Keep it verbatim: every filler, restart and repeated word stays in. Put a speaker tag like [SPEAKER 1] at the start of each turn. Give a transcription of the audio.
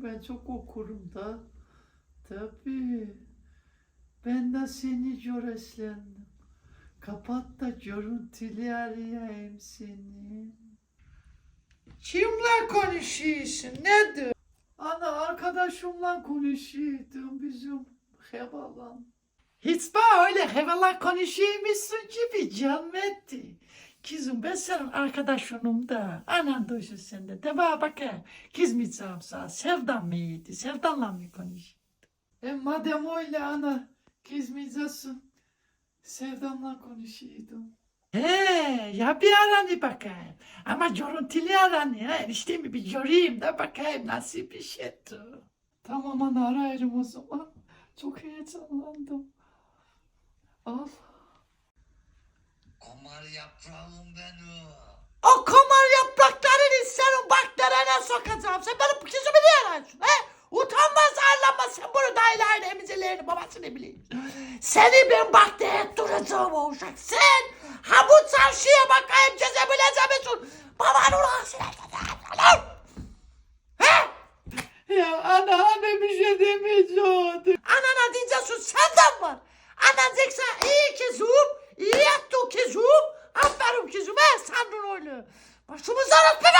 [SPEAKER 1] ben çok okurum da. Tabii. Ben de seni göreslendim. Kapat da görüntülü arayayım seni.
[SPEAKER 2] Kimle konuşuyorsun? Nedir?
[SPEAKER 1] Ana arkadaşımla konuşuyordum bizim hevalan.
[SPEAKER 2] Hiç bana öyle hevalan konuşuyormuşsun gibi canım etti. Kızım ben senin arkadaşınım da. Anan duysun sende. De bana bakayım. Kızmayacağım sana. Sevdan mıydı? Sevdanla mı konuşuyorsun?
[SPEAKER 1] E madem öyle ana kızmayacaksın. Sevdamla konuşuyordum.
[SPEAKER 2] He ya bir aranı bakayım. Ama görüntülü aranı. Ha, eniştemi bir göreyim de bakayım nasıl bir şeydi.
[SPEAKER 1] Tamam ana ararım o zaman. Çok heyecanlandım. Al.
[SPEAKER 3] Komar yaprağım benim.
[SPEAKER 2] O komar yapraklarını senin bak nerene sokacağım. Sen benim kızımı niye arıyorsun? He? Utanmaz arlanmaz sen bunu dayılarını emizelerini babasını bileyim. Seni ben bak deyip duracağım o uşak. Sen ha bu çarşıya bakayım cezebileceğim. Baban ulan sen. He?
[SPEAKER 1] Ya ana anne bir şey demeyeceğim.
[SPEAKER 2] Anana diyeceksin senden var. Anan diyeceksin iyi kızım. İyi yaptın kızım. Aferin kızım he sandın öyle. Başımızdan öpme